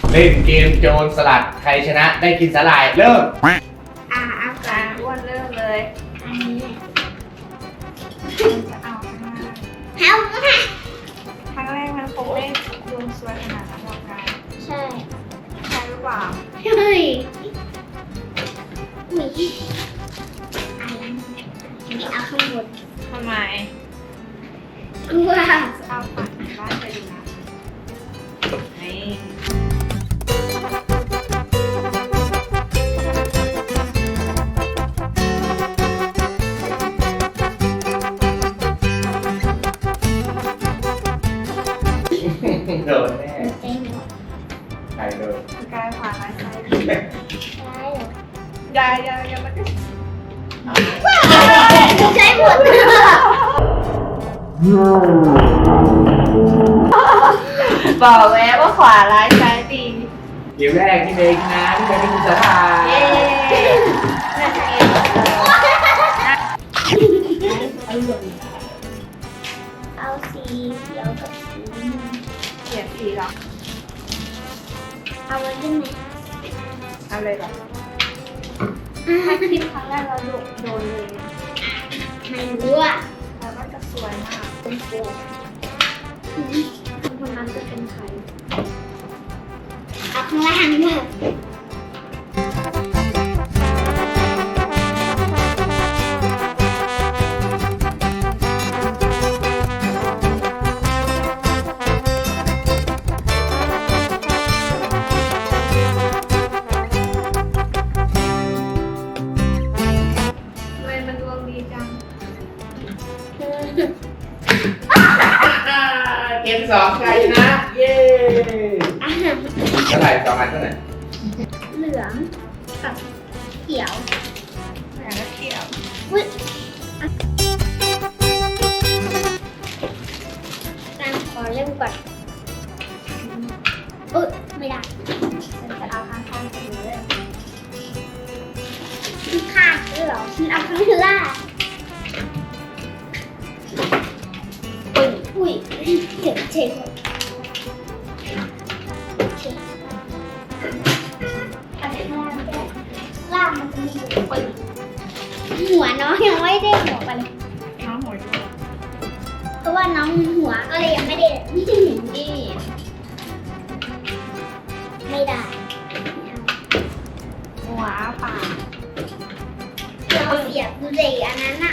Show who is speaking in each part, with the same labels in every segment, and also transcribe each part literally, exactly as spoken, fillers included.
Speaker 1: เล่นเกมโจรสลัดใครชนะได้กินสาหร่ายเริ่ม
Speaker 2: อ่าเอาก่อนอ้วนเริ่มเลยอันนี้จะเอาข้างล่าง
Speaker 3: เฮ้าค่ะ
Speaker 2: ครั้งแรกมันคงไม่ดวงสวยขนาดนั้นหรอกกัน
Speaker 3: ใช่
Speaker 2: ใช่หรือเปล่า
Speaker 3: เฮ้ยอุ้ยอะไรนี่เอาข้างบน
Speaker 2: ทำไม
Speaker 3: กลัว
Speaker 2: จะเอาปัดบ้านไปดูนะนี่
Speaker 1: โดนแน่
Speaker 3: เต็มหมด
Speaker 1: ใครโดน
Speaker 2: กายผ่านมาใช่
Speaker 3: ใช่เหรอย
Speaker 2: ายยายยายมันก็
Speaker 3: ใช้หมด
Speaker 2: บอกแล้วว่าขวาร้ายซ้ายดี
Speaker 1: เกมแรกที่เมย์ชนะที่เมย์ได้กินสาหร่าย
Speaker 2: เย้น่าจะเอง
Speaker 3: เอาสีเขียวกับสีน้ำเงิน
Speaker 2: เขียนสีหรอ
Speaker 3: เอาไว้ได้ไหม
Speaker 2: เอาเลยหรอถ้าคลิปครั้งแรกเราโดนโดนเลย
Speaker 3: ไม่รู้อ่ะ
Speaker 2: แล้วก็จะสวยมากเป็นโกงคนนั้นจะเป็นใคร
Speaker 3: เอาข้างล่างด้วย
Speaker 2: ทำไมมันดวงดีจัง
Speaker 1: เกมสองใครชนะ เย้สาหร่ายสองอันเท่าไหร่
Speaker 3: เหลืองกับเขียว
Speaker 2: แหมแล้วเขียว
Speaker 3: อุ้ยตามขอเริ่มก่อนอุ๊ยไม่ได้
Speaker 2: ฉันจะเอาข้างๆไปเลย
Speaker 3: ข้างด้วยเหรอฉันเอาข้างล่างอุ้ยอุ้ยเจ็บเจ็บเอาข้างล่างแก้ล่างมันจะมีอยู่ปึ้งหัวน้องยังไม่ได้หัวไปเลย
Speaker 2: น้องหัวดวง
Speaker 3: เพราะว่าน้องหัวก็เลยยังไม่ได้นี่จะหนึ่ง
Speaker 2: นี่
Speaker 3: ไม่ได้
Speaker 2: หัวปาก
Speaker 3: เราเสียบดูสิอันนั้นอะ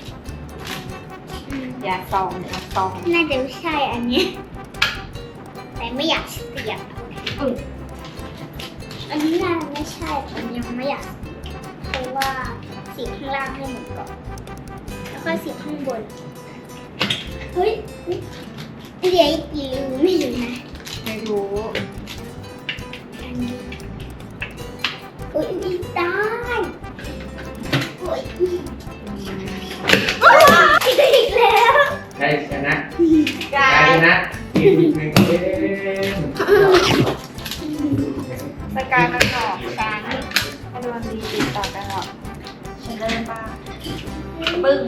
Speaker 2: อย่าซองอย่าซอง
Speaker 3: น่าจะไม่ใช่อันเนี้ยแต่ไม่อยากเสียบ
Speaker 2: อือ
Speaker 3: อันนี้น่าจะไม่ใช่ผมยังไม่อยากเพราะว่าสีข้างล่างให้หมดก่อนแล้วก็สีข้างบนเฮ้ยเหลืออีกกี่รูไม่รู้นะ
Speaker 2: ไม่รู้
Speaker 3: อันนี้อุ้ยอีกได้โอ้ยอีกแล้ว
Speaker 1: ใครชนะ
Speaker 2: กา
Speaker 1: ใคร
Speaker 2: ย
Speaker 1: ชนะกินหนึ่งเกม
Speaker 2: สกายมันหลอกฉันให้ดวงดีติดต่อกันหรอกฉันเริ่มบ้างปึ้ง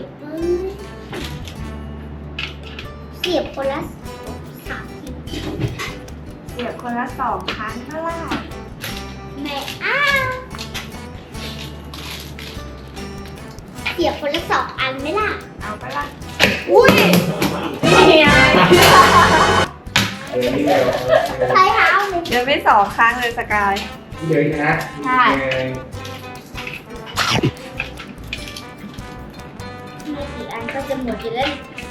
Speaker 3: เสียบคนละสามที
Speaker 2: เสียบคนละสองครั้งเท่าไหร่
Speaker 3: แม่อ้าวเสียบคนละสองอันไหมล่ะ
Speaker 2: เอาไปละอุ้ยนี่ไง
Speaker 1: เดี๋ยวนี้เดี๋ยว
Speaker 3: ใช้เท้าเลย
Speaker 2: เดี๋ยวไม่สองครั้งเลยสกาย
Speaker 1: เดี๋ยวชนะ
Speaker 2: ใช่
Speaker 3: ไม่กี่อันก็จะหมดอยู่แล้ว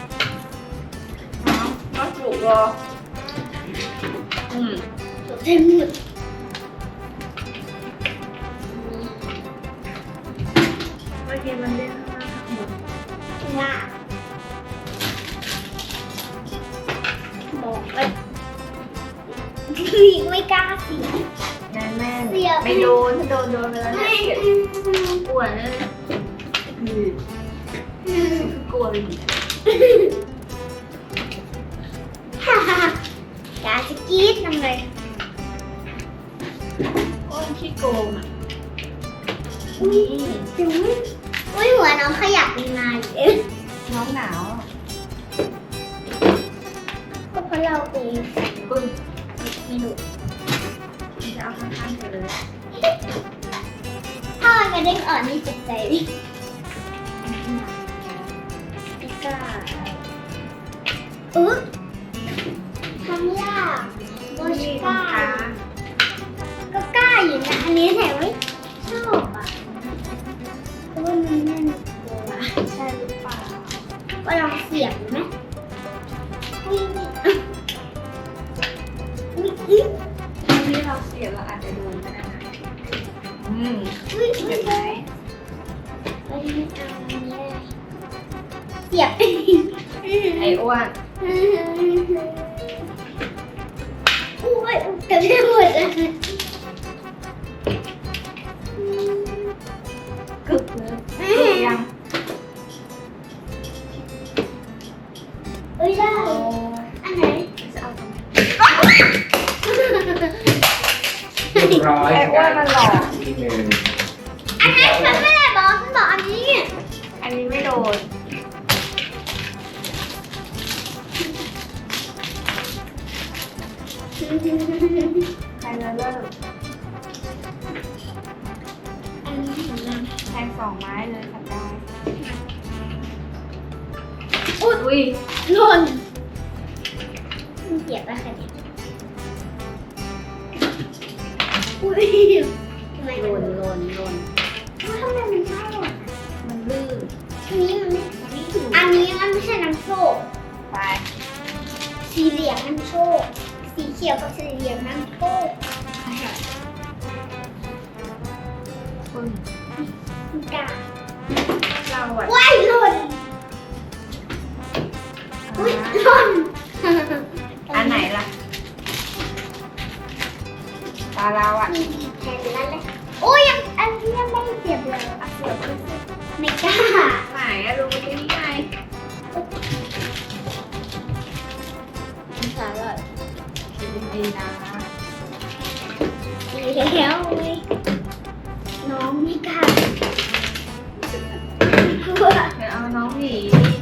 Speaker 2: น้องปลูกรออืม
Speaker 3: หมดเต็มหมด
Speaker 2: เมื่อกี้มันเล่นข้างล่างหมด
Speaker 3: ง่าบอกเลยไม่กล้าเสียบ
Speaker 2: แน่นแน่
Speaker 3: เสียบ
Speaker 2: ไม่โดนถ้าโดนโดนไปแล้วเนี่ยเสียปวดเลยอืมกลัวเลย
Speaker 3: ฮ่าฮ่าอยากจะกรี๊ดทำไง
Speaker 2: ก้นขี้โกงอ่ะ
Speaker 3: อุ้ยถึงอุ้ยหัวน้องขยับไปมาอยู่เอ๊ะ
Speaker 2: น้องหนาว
Speaker 3: ก็เพราะเราไป
Speaker 2: ปึ้ง
Speaker 3: ไม่รู้
Speaker 2: จะเอาข้างๆเธอเลย
Speaker 3: ถ้ามันกระเด้งอ่อนนี่เจ็บใจดิไม่กล้าอุ๊ยทำยากโบชกล้าก็กล้าอยู่นะอันนี้แต่ไม่ชอบอ่ะเพราะว่ามันแน่นกว่าใช่หรือเปล่าก็ลองเสียบดูไหมอุ้ยอุ้ยอุ้ย
Speaker 2: ที่เราเสียบเราอาจจะโดนก็ได้นะอืม
Speaker 3: อุ้ยอุ้ย
Speaker 2: เห็นไหม
Speaker 3: เอ้ยไม่เอาอันนี้เลยเสียบ
Speaker 2: ไอ้อ้วน
Speaker 3: อุ้ยเต็มไปหมดเลย
Speaker 2: กึกเลยกึกยัง
Speaker 3: เอ้ยได้
Speaker 2: โอ้
Speaker 3: อันไหน
Speaker 2: จะเอาตรงไหน
Speaker 1: เรียบร้อย
Speaker 2: ไอ้อ้วนมันหลอก
Speaker 1: ทีหนึ่ง
Speaker 3: อันนั้นมันไม่ได้บอกมันบอกอันนี้
Speaker 2: อันนี้ไม่โดนใครจะเริ่ม
Speaker 3: อันนี้ของมัน
Speaker 2: แทงสองไม้เลยค่ะได้
Speaker 3: อุ้ย
Speaker 2: อุ้ย
Speaker 3: หล่นมันเสียบแล้วค่ะเนี่ยอุ้ยทำไม
Speaker 2: ห
Speaker 3: มัน
Speaker 2: ล่น
Speaker 3: ห
Speaker 2: ห
Speaker 3: ล่น
Speaker 2: ล่นหล่น
Speaker 3: ทำไมมันชอบหล่น
Speaker 2: มันลื่น
Speaker 3: อันนี้มันไม่
Speaker 2: มันไม่ถึง
Speaker 3: อันนี้มันไม่ใช่น้ำโชค
Speaker 2: ไป
Speaker 3: สีเหลืองน้ำโชค สีเขียวกับสีเหลืองน้ำโชค
Speaker 2: ปึ้ง
Speaker 3: มันกา
Speaker 2: เราอ่ะ
Speaker 3: ว้ายหล่นอุ้ย
Speaker 2: อ่า
Speaker 3: หล่น
Speaker 2: อันไหนล่ะ ตาเราอ่ะ
Speaker 3: มีแทนนั้นเลยโอ้ยยังอันนี้ยังไม่เสียบเลย
Speaker 2: อ่ะเสียบขึ้นสิ
Speaker 3: ไม่กล้า
Speaker 2: ไหนอะดูที่นี่ไง
Speaker 3: สาระ
Speaker 2: ดูดีๆนะ
Speaker 3: แล้วเว้ยน้องไม่กล้ากลัว
Speaker 2: เดี๋ยวเอาน้องหมี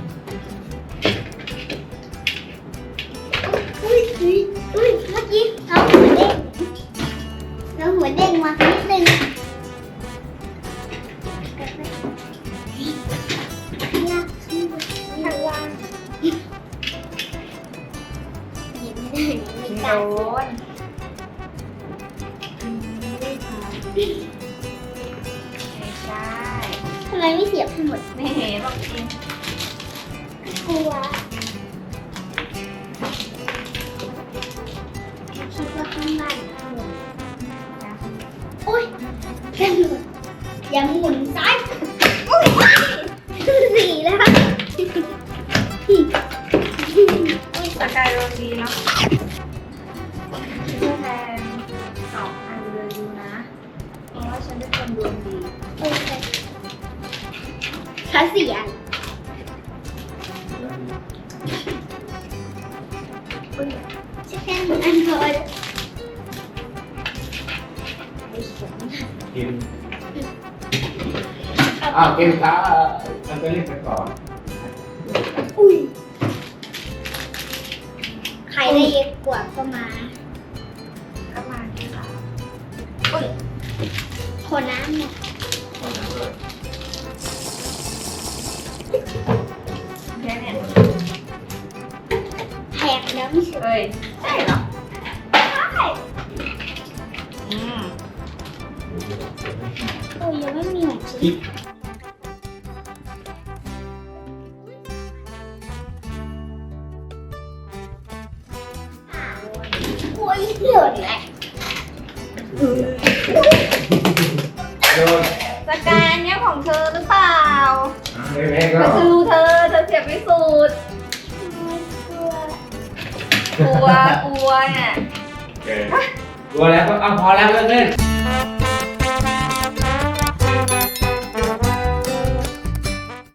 Speaker 3: อุ้ยอุ้ยอุ้ยเมื่อกี้น้องหัวเด้งน้องหัวเด้งมานิดนึงยากขึ้นเลย
Speaker 2: ข้างล่าง
Speaker 3: หยิบไม่ได้ไม่
Speaker 2: โด
Speaker 3: กล้าน
Speaker 2: อืมไม่ใช่ไม่ใช่
Speaker 3: ทำไมไม่เสียบให้หมด
Speaker 2: ไม่เห็นบอกจริง
Speaker 3: กลัวคิดว่าข้างล่างข้างบน
Speaker 2: นะ
Speaker 3: โอ๊ยกระโดดยังหมุนซ้ายโอ๊ยสี่แล้ว
Speaker 2: อุ้ยสกายโรดีเนาะชื่อแทนสองอันเลยดูนะ เพราะว่าฉันเป็นคนดวงดี
Speaker 3: โอเคขาเสียน
Speaker 2: อุ้ย
Speaker 3: จะแค่หนึ่งอันพอแล้ว
Speaker 2: ไม่สน
Speaker 1: กินอ้าวกินข้าวมันก็เรียกไปก่อน
Speaker 3: อุ้ยใครได้เยอะกว่าก็มา
Speaker 2: ก็มาที่ค่ะ
Speaker 3: คนน้ำเนี่ย
Speaker 2: แค่เนี่ย
Speaker 3: แพงแล้วไม่ใช่
Speaker 2: เอ้ยใช่เหรอ
Speaker 3: ใช่
Speaker 2: อืม
Speaker 3: โอ้ยยังไม่มีหนังสือ
Speaker 1: กิ๊บ
Speaker 3: โอ้ยหล่นแหละ
Speaker 1: โดน
Speaker 2: สกายอันเนี้ยของเธอหรือเปล่า
Speaker 1: ไม่แม่ก็
Speaker 2: ก็คือเธอ เธอเสียบไม่สุด
Speaker 3: กลัว
Speaker 2: กลัว กลัวเนี่ย
Speaker 1: โอเคกลัวแล้วก็เอาพอแล้วเลิกเล่น